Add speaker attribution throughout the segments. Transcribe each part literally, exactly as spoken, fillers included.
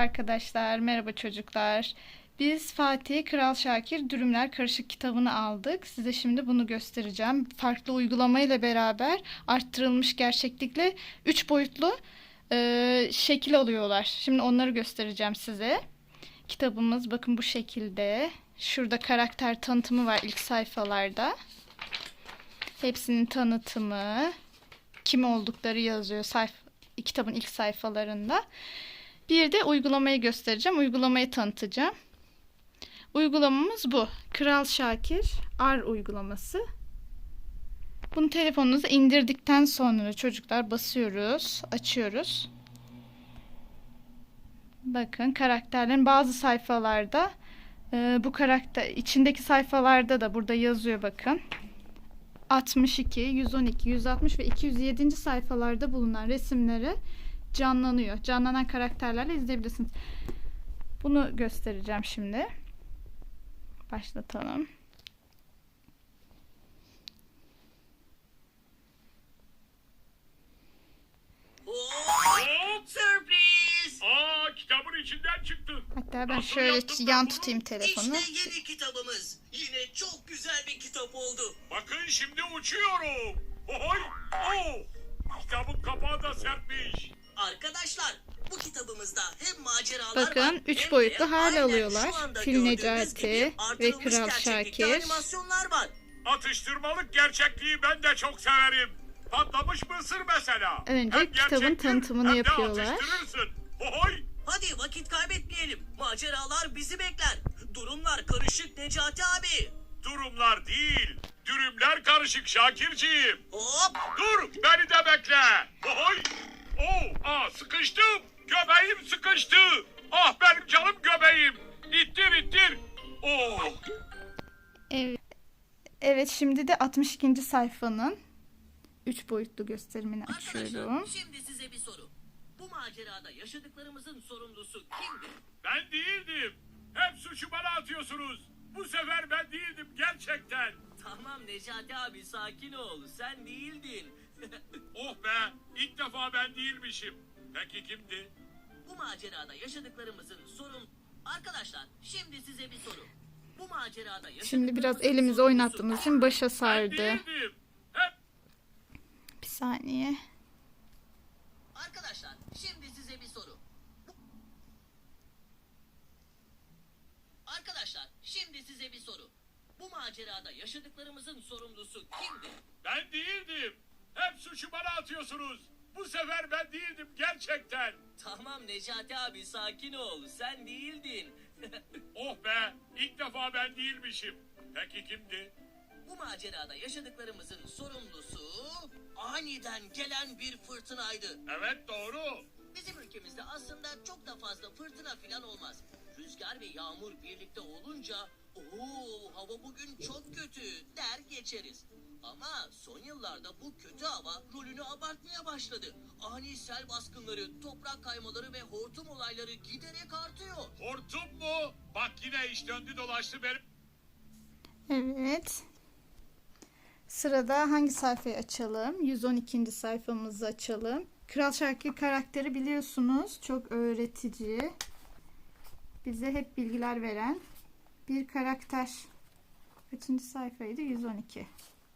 Speaker 1: arkadaşlar, merhaba çocuklar. Biz Fatih Kral Şakir Dürümler Karışık kitabını aldık. Size şimdi bunu göstereceğim. Farklı uygulamayla beraber arttırılmış gerçeklikle üç boyutlu e, şekil alıyorlar. Şimdi onları göstereceğim size. Kitabımız bakın bu şekilde. Şurada karakter tanıtımı var ilk sayfalarda. Hepsinin tanıtımı, kim oldukları yazıyor sayfa, kitabın ilk sayfalarında. Bir de uygulamayı göstereceğim. Uygulamayı tanıtacağım. Uygulamamız bu. Kral Şakir R uygulaması. Bunu telefonunuza indirdikten sonra çocuklar basıyoruz, açıyoruz. Bakın karakterlerin bazı sayfalarda e, bu karakter içindeki sayfalarda da burada yazıyor bakın. altmış iki, yüz on iki, yüz altmış ve iki yüz yedinci sayfalarda bulunan resimleri canlanıyor. Canlanan karakterlerle izleyebilirsiniz. Bunu göstereceğim şimdi. Başlatalım.
Speaker 2: Hop, sürpriz.
Speaker 3: Aa, kitabın içinden çıktı.
Speaker 1: Hatta ben
Speaker 3: Nasıl
Speaker 1: şöyle
Speaker 3: yaptın ben
Speaker 1: yan
Speaker 3: bunu?
Speaker 1: tutayım telefonu.
Speaker 2: İşte yeni kitabımız. Yine çok güzel bir kitap oldu.
Speaker 3: Bakın şimdi uçuyorum. Oy! Oh! Kitabın kapağı da sertmiş.
Speaker 2: Arkadaşlar, bu kitabımızda hem maceralar var,
Speaker 1: Bakın üç
Speaker 2: hem de
Speaker 1: boyutlu hal
Speaker 2: aynen
Speaker 1: alıyorlar.
Speaker 2: şu anda
Speaker 1: Fil
Speaker 2: gördüğünüz
Speaker 1: Necati
Speaker 2: gibi
Speaker 1: ve
Speaker 2: artırılmış
Speaker 1: Kral
Speaker 2: gerçeklikte
Speaker 1: Şakir.
Speaker 2: animasyonlar var.
Speaker 3: Atıştırmalık gerçekliği ben de çok severim. Patlamış mısır mesela.
Speaker 1: Önce
Speaker 3: Hem
Speaker 1: kitabın
Speaker 3: gerçektir,
Speaker 1: tanıtımını
Speaker 3: hem de
Speaker 1: yapıyorlar.
Speaker 3: atıştırırsın. Oy!
Speaker 2: Hadi vakit kaybetmeyelim. Maceralar bizi bekler. Durumlar karışık Necati abi.
Speaker 3: Durumlar değil, dürümler karışık Şakirciğim.
Speaker 2: Hop!
Speaker 3: Dur, beni de bekle. Oy! Oh, aa, sıkıştım. Göbeğim sıkıştı. Ah benim canım göbeğim. İttir ittir. Oh.
Speaker 1: Evet. Evet, şimdi de altmış ikinci sayfanın üç boyutlu gösterimini açıyorum.
Speaker 2: Arkadaşlar, şimdi size bir soru. Bu macerada yaşadıklarımızın sorumlusu kimdi?
Speaker 3: Ben değildim. Hep suçu bana atıyorsunuz. Bu sefer ben değildim gerçekten.
Speaker 2: Tamam Necati abi, sakin ol. Sen değildin.
Speaker 3: Oh be, ilk defa ben değilmişim. Peki kimdi?
Speaker 2: Bu macerada yaşadıklarımızın sorun... Arkadaşlar, şimdi size bir soru. Bu macerada
Speaker 1: Şimdi biraz
Speaker 2: yaşadıklarımızın
Speaker 1: elimizi
Speaker 2: sorumlusu-
Speaker 1: oynattığımız için başa
Speaker 3: Ben
Speaker 1: sardı.
Speaker 3: değildim. Hep
Speaker 1: Bir saniye.
Speaker 2: Arkadaşlar, şimdi size bir soru. Bu- Arkadaşlar, şimdi size bir soru. Bu macerada yaşadıklarımızın sorumlusu kimdi?
Speaker 3: ben değildim. Hep suçu bana atıyorsunuz. Bu sefer ben değildim gerçekten.
Speaker 2: Tamam Necati abi, sakin ol. Sen değildin.
Speaker 3: Oh be, ilk defa ben değilmişim. Peki kimdi?
Speaker 2: Bu macerada yaşadıklarımızın sorumlusu aniden gelen bir fırtınaydı.
Speaker 3: Evet doğru.
Speaker 2: Bizim ülkemizde aslında çok da fazla fırtına filan olmaz. Rüzgar ve yağmur birlikte olunca ooo hava bugün çok kötü der geçeriz. Ama son yıllarda bu kötü hava rolünü abartmaya başladı. Ani sel baskınları, toprak kaymaları ve hortum olayları giderek artıyor.
Speaker 3: Hortum mu? Bak yine iş döndü dolaştı benim.
Speaker 1: Evet. Sırada hangi sayfayı açalım? yüz on ikinci sayfamızı açalım. Kral Şakir karakteri biliyorsunuz. Çok öğretici. Bize hep bilgiler veren bir karakter. Kaçıncı sayfaydı? yüz on iki.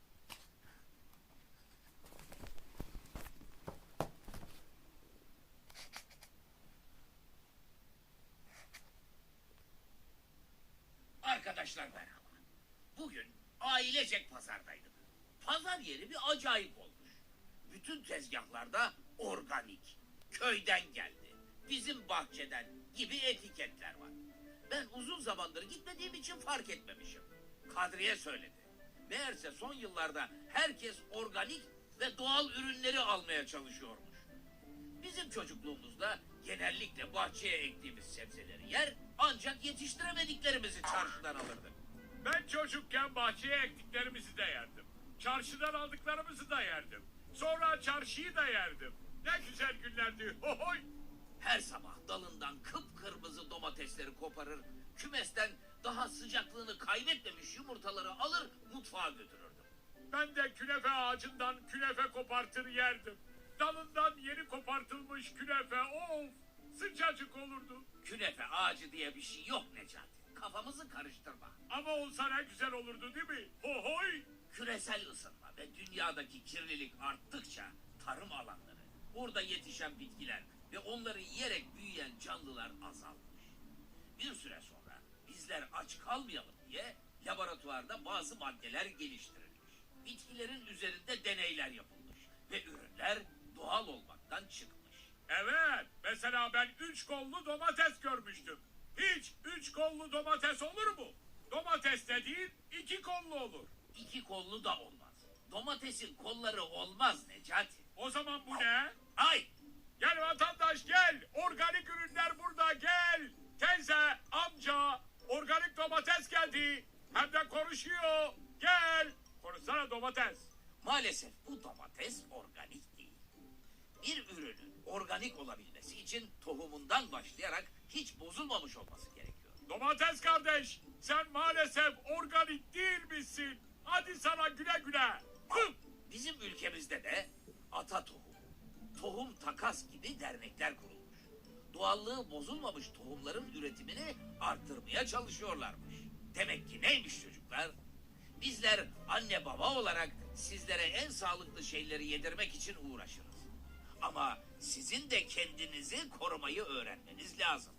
Speaker 4: Arkadaşlar merhaba. Bugün ailecek pazardaydık. Pazar yeri bir acayip olmuş. Bütün tezgahlarda organik, köyden geldi, bizim bahçeden gibi etiketler var. Ben uzun zamandır gitmediğim için fark etmemişim. Kadriye söyledi. Meğerse son yıllarda herkes organik ve doğal ürünleri almaya çalışıyormuş. Bizim çocukluğumuzda genellikle bahçeye ektiğimiz sebzeleri yer, ancak yetiştiremediklerimizi çarşıdan alırdık.
Speaker 3: Ben çocukken bahçeye ektiklerimizi de yerdim. Çarşıdan aldıklarımızı da yerdim. Sonra çarşıyı da yerdim. Ne güzel günlerdi. Hohoy!
Speaker 4: Her sabah dalından kıpkırmızı domatesleri koparır, kümesten daha sıcaklığını kaybetmemiş yumurtaları alır, mutfağa götürürdüm.
Speaker 3: Ben de künefe ağacından künefe kopartır yerdim. Dalından yeni kopartılmış künefe, of! Sıcacık olurdu.
Speaker 4: Künefe ağacı diye bir şey yok Necati. Kafamızı karıştırma.
Speaker 3: Ama olsa ne güzel olurdu değil mi? Hohoy!
Speaker 4: Küresel ısınma ve dünyadaki kirlilik arttıkça tarım alanları, burada yetişen bitkiler ve onları yiyerek büyüyen canlılar azalmış. Bir süre sonra bizler aç kalmayalım diye laboratuvarda bazı maddeler geliştirilmiş. Bitkilerin üzerinde deneyler yapılmış ve ürünler doğal olmaktan çıkmış.
Speaker 3: Evet, mesela ben üç kollu domates görmüştüm. Hiç üç kollu domates olur mu? Domates dediğin iki kollu olur.
Speaker 4: İki kollu da olmaz. Domatesin kolları olmaz Necati.
Speaker 3: O zaman bu ne?
Speaker 4: Ay!
Speaker 3: Gel vatandaş gel. Organik ürünler burada gel. Teyze, amca, organik domates geldi. Hem de konuşuyor. Gel. Konuşsana domates.
Speaker 4: Maalesef bu domates organik değil. Bir ürünün organik olabilmesi için tohumundan başlayarak hiç bozulmamış olması gerekiyor.
Speaker 3: Domates kardeş, sen maalesef organik değil misin? Hadi sana güle güle. Hıh!
Speaker 4: Bizim ülkemizde de ata tohum, tohum takas gibi dernekler kurulmuş. Doğallığı bozulmamış tohumların üretimini arttırmaya çalışıyorlarmış. Demek ki neymiş çocuklar? Bizler anne baba olarak sizlere en sağlıklı şeyleri yedirmek için uğraşırız. Ama sizin de kendinizi korumayı öğrenmeniz lazım.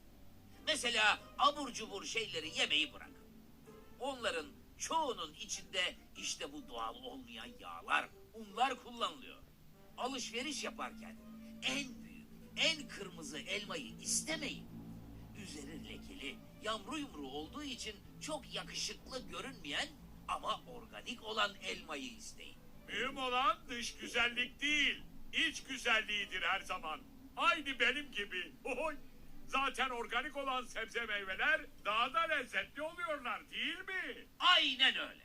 Speaker 4: Mesela abur cubur şeyleri yemeyi bırakın. Onların çoğunun içinde işte bu doğal olmayan yağlar, unlar kullanılıyor. Alışveriş yaparken en büyük, en kırmızı elmayı istemeyin. Üzeri lekeli, yamru yumru olduğu için çok yakışıklı görünmeyen ama organik olan elmayı isteyin.
Speaker 3: Mühim olan dış güzellik değil, iç güzelliğidir her zaman. Aynı benim gibi. Oy! Zaten organik olan sebze meyveler daha da lezzetli oluyorlar değil mi?
Speaker 4: Aynen öyle.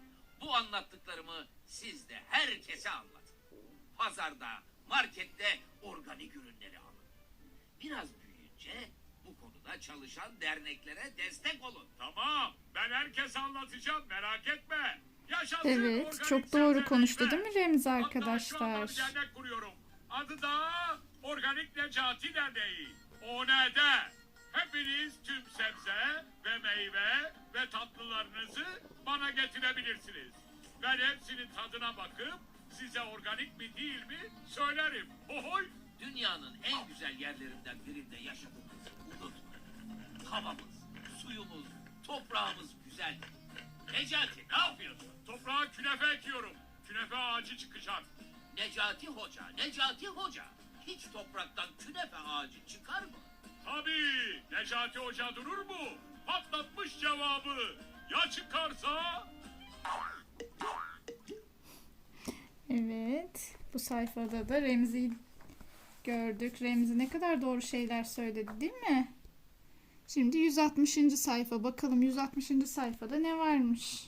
Speaker 4: Bu anlattıklarımı siz de herkese anlatın. Pazarda, markette organik ürünleri alın. Biraz büyüyünce bu konuda çalışan derneklere destek olun.
Speaker 3: Tamam, ben herkese anlatacağım, merak etme. Yaşasın
Speaker 1: Evet,
Speaker 3: organik
Speaker 1: çok doğru
Speaker 3: sebze
Speaker 1: konuştu
Speaker 3: meyve.
Speaker 1: değil mi Remzi
Speaker 3: Hatta şu anda
Speaker 1: arkadaşlar?
Speaker 3: bir dernek kuruyorum. Adı da Organik Necati Derneği. O ne de? Hepiniz tüm sebze ve meyve ve tatlılarınızı bana getirebilirsiniz. Ben hepsinin tadına bakıp size organik mi değil mi söylerim. Ohoy!
Speaker 4: Dünyanın en güzel yerlerinden birinde yaşadığımızı unutmayın. Havamız, suyumuz, toprağımız güzel. Necati ne yapıyorsun?
Speaker 3: Toprağa künefe ekiyorum. Künefe ağacı çıkacak.
Speaker 4: Necati Hoca, Necati Hoca. Hiç topraktan künefe ağacı çıkar mı?
Speaker 3: Tabii Necati Hoca durur mu? Patlatmış cevabı. Ya çıkarsa?
Speaker 1: Evet, bu sayfada da Remzi'yi gördük. Remzi ne kadar doğru şeyler söyledi değil mi? Şimdi yüz altmışıncı sayfa. Bakalım yüz altmışıncı sayfada ne varmış?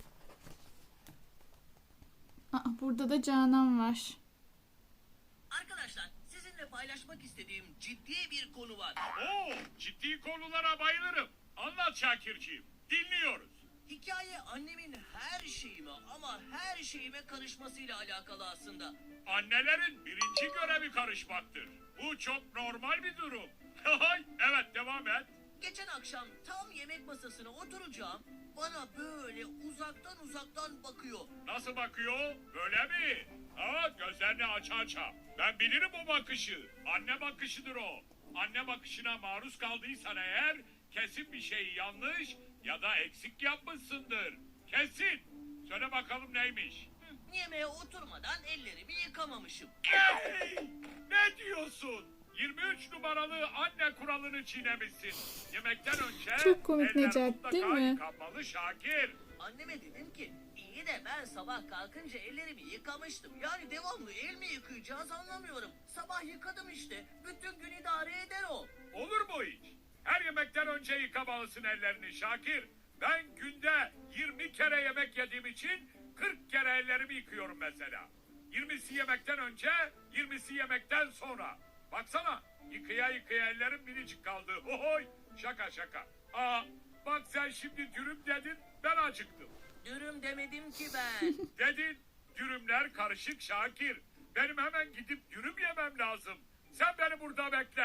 Speaker 1: Aa, burada da Canan var.
Speaker 2: Arkadaşlar sizinle paylaşmak istediğim ciddi bir konu var.
Speaker 3: Oo, ciddi konulara bayılırım. Anlat Şakirciğim. Dinliyoruz.
Speaker 2: Hikaye annemin her şeyime ama her şeyime karışmasıyla alakalı aslında.
Speaker 3: Annelerin birinci görevi karışmaktır. Bu çok normal bir durum. Evet, devam et.
Speaker 2: Geçen akşam tam yemek masasına oturacağım. Bana böyle uzaktan uzaktan bakıyor.
Speaker 3: Nasıl bakıyor? Böyle mi? Ha, gözlerini aça aça. Ben bilirim o bakışı. Anne bakışıdır o. Anne bakışına maruz kaldıysan eğer kesin bir şey yanlış ya da eksik yapmışsındır. Kesin. Söyle bakalım neymiş?
Speaker 2: Hı, yemeğe oturmadan ellerimi yıkamamışım.
Speaker 3: Ey! Ne diyorsun? yirmi üç numaralı anne kuralını çiğnemişsin. Yemekten önce
Speaker 1: Çok komik
Speaker 3: eller
Speaker 1: Necati,
Speaker 3: mutlaka
Speaker 1: değil mi?
Speaker 3: yıkanmalı Şakir.
Speaker 2: Anneme dedim ki iyi de ben sabah kalkınca ellerimi yıkamıştım. Yani devamlı el mi yıkayacağız anlamıyorum. Sabah yıkadım işte. Bütün gün idare eder o.
Speaker 3: Olur mu hiç? Her yemekten önce yıkamalısın ellerini Şakir. Ben günde yirmi kere yemek yediğim için kırk kere ellerimi yıkıyorum mesela. yirmisi yemekten önce, yirmisi yemekten sonra. Baksana, yıkaya yıkaya ellerim minicik kaldı. Ohoy, şaka şaka. Aa, bak sen şimdi dürüm dedin, ben acıktım.
Speaker 2: Dürüm demedim ki ben.
Speaker 3: Dedin, dürümler karışık Şakir. Benim hemen gidip dürüm yemem lazım. Sen beni burada bekle.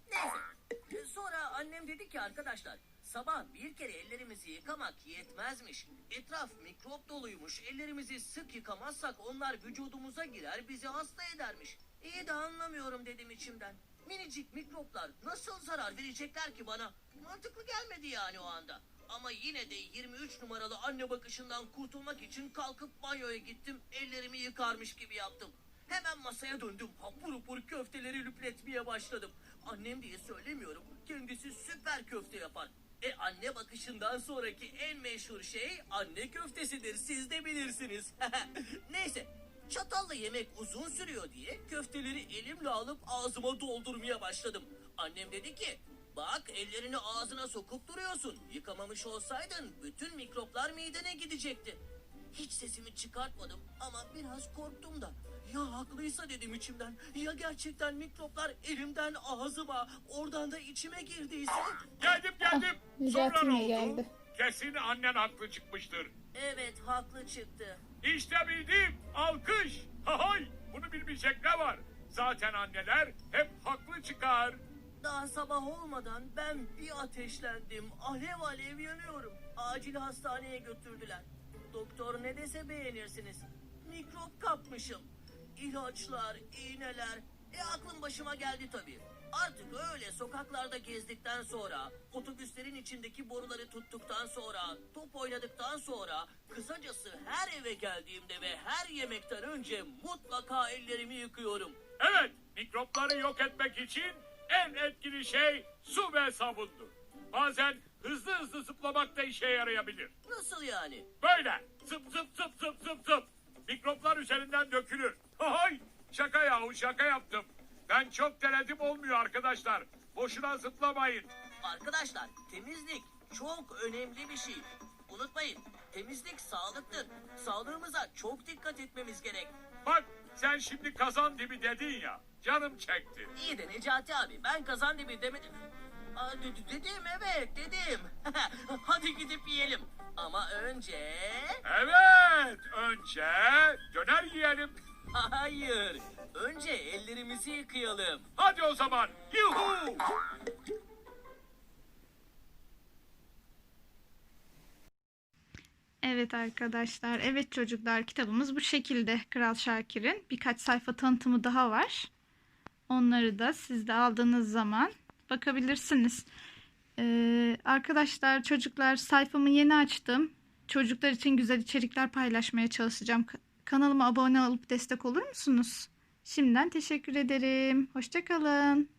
Speaker 2: Neyse. Sonra annem dedi ki arkadaşlar, sabah bir kere ellerimizi yıkamak yetmezmiş. Etraf mikrop doluymuş. Ellerimizi sık yıkamazsak onlar vücudumuza girer, bizi hasta edermiş. İyi de anlamıyorum dedim içimden. Minicik mikroplar nasıl zarar verecekler ki bana? Mantıklı gelmedi yani o anda. Ama yine de yirmi üç numaralı anne bakışından kurtulmak için kalkıp banyoya gittim. Ellerimi yıkarmış gibi yaptım. Hemen masaya döndüm. Hapur hapur köfteleri lüpletmeye başladım. Annem diye söylemiyorum. Kendisi süper köfte yapar. E anne bakışından sonraki en meşhur şey anne köftesidir. Siz de bilirsiniz. Neyse. Çatalla yemek uzun sürüyor diye köfteleri elimle alıp ağzıma doldurmaya başladım. Annem dedi ki, bak ellerini ağzına sokup duruyorsun. Yıkamamış olsaydın bütün mikroplar midene gidecekti. Hiç sesimi çıkartmadım ama biraz korktum da. Ya haklıysa dedim içimden. Ya gerçekten mikroplar elimden ağzıma, oradan da içime girdiyse?
Speaker 3: Geldim geldim. Sonra
Speaker 1: Necati
Speaker 3: ne
Speaker 1: yine
Speaker 3: oldu?
Speaker 1: geldi.
Speaker 3: Kesin annen haklı çıkmıştır.
Speaker 2: Evet, haklı çıktı.
Speaker 3: İşte bildim. Alkış. Hahay. Bunu bilmeyecek ne var? Zaten anneler hep haklı çıkar.
Speaker 2: Daha sabah olmadan ben bir ateşlendim. Alev alev yanıyorum. Acil hastaneye götürdüler. Doktor ne dese beğenirsiniz. Mikrop kapmışım. İlaçlar, iğneler. E aklım başıma geldi tabii. Artık öyle sokaklarda gezdikten sonra, otobüslerin içindeki boruları tuttuktan sonra, top oynadıktan sonra, kısacası her eve geldiğimde ve her yemekten önce mutlaka ellerimi yıkıyorum.
Speaker 3: Evet, mikropları yok etmek için en etkili şey su ve sabundur. Bazen hızlı hızlı zıplamak da işe yarayabilir.
Speaker 2: Nasıl yani?
Speaker 3: Böyle zıp zıp zıp zıp zıp zıp. Mikroplar üzerinden dökülür. Hay, şaka yahu şaka yaptım. Ben çok denedim olmuyor arkadaşlar. Boşuna zıplamayın.
Speaker 2: Arkadaşlar, temizlik çok önemli bir şey. Unutmayın, temizlik sağlıktır. Sağlığımıza çok dikkat etmemiz gerek.
Speaker 3: Bak sen şimdi kazan dibi dedin ya. Canım çekti.
Speaker 2: İyi de Necati abi, ben kazan dibi demedim. Aa, de- de- dedim evet dedim. Hadi gidip yiyelim. Ama önce...
Speaker 3: Evet, önce döner yiyelim.
Speaker 2: Hayır. Önce ellerimizi yıkayalım.
Speaker 3: Hadi o zaman. Yuhu!
Speaker 1: Evet arkadaşlar, evet çocuklar, kitabımız bu şekilde. Kral Şakir'in birkaç sayfa tanıtımı daha var. Onları da siz de aldığınız zaman bakabilirsiniz. Ee, arkadaşlar, çocuklar, sayfamı yeni açtım. Çocuklar için güzel içerikler paylaşmaya çalışacağım. Ka- Kanalıma abone olup destek olur musunuz? Şimdiden teşekkür ederim. Hoşça kalın.